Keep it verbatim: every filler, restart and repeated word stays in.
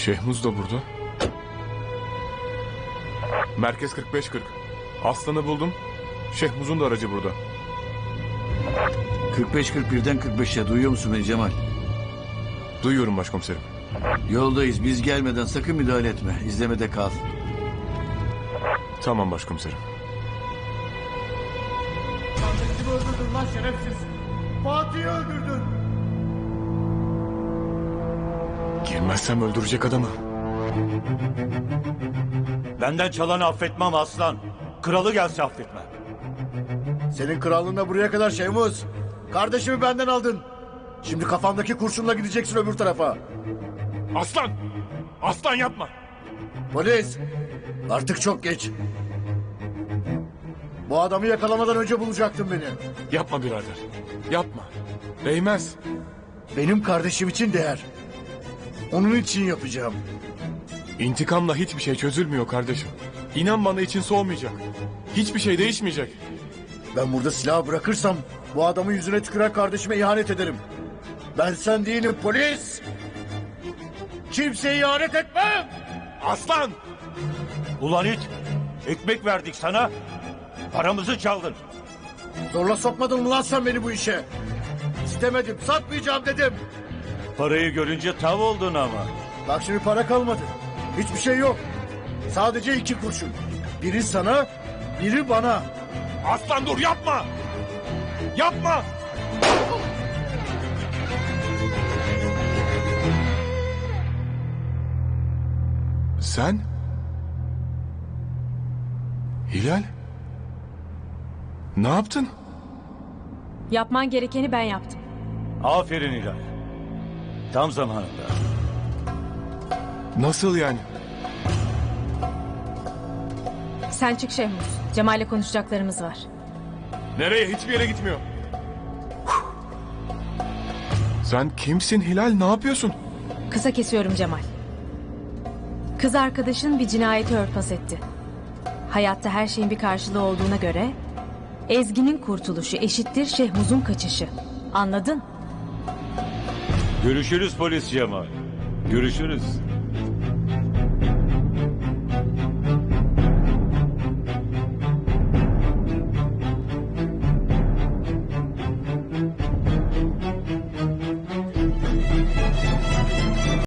Şehmuz da burada. Merkez kırk beş kırk. Aslan'ı buldum. Şehmuz'un da aracı burada. kırk beş kırk birden kırk beşe duyuyor musun beni Cemal? Duyuyorum başkomiserim. Yoldayız, biz gelmeden sakın müdahale etme. İzlemede kal. Tamam başkomiserim. Kardeşimi öldürdün lan şerefsiz. Fatih'i öldürdün. Girmezsem öldürecek adamı. Benden çalanı affetmem aslan. Kralı gelse affetmem. Senin krallığına buraya kadar Şehmuz. Kardeşimi benden aldın. Şimdi kafamdaki kurşunla gideceksin öbür tarafa. Aslan! Aslan yapma! Polis! Artık çok geç. Bu adamı yakalamadan önce bulacaktın beni. Yapma birader. Yapma. Değmez. Benim kardeşim için değer. Onun için yapacağım. İntikamla hiçbir şey çözülmüyor kardeşim. İnan bana için soğumayacak. Hiçbir şey değişmeyecek. Ben burada silahı bırakırsam bu adamın yüzüne tüküren kardeşime ihanet ederim. Ben sen değilim polis. Kimseye ihanet etmem. Aslan! Ulan it, ekmek verdik sana, paramızı çaldın. Zorla sokmadın mı lan sen beni bu işe? İstemedim, satmayacağım dedim. Parayı görünce tav oldun ama. Bak şimdi para kalmadı. Hiçbir şey yok. Sadece iki kurşun. Biri sana, biri bana. Aslan dur yapma! Yapma! Sen? Hilal? Ne yaptın? Yapman gerekeni ben yaptım. Aferin İlay. Tam zamanında. Nasıl yani? Sen çık Şehmuz. Cemal'le konuşacaklarımız var. Nereye? Hiçbir yere gitmiyor. Sen kimsin Hilal? Ne yapıyorsun? Kısa kesiyorum Cemal. Kız arkadaşın bir cinayeti örtbas etti. Hayatta her şeyin bir karşılığı olduğuna göre Ezgi'nin kurtuluşu eşittir Şehmuz'un kaçışı. Anladın? Görüşürüz polis Cemal. Görüşürüz.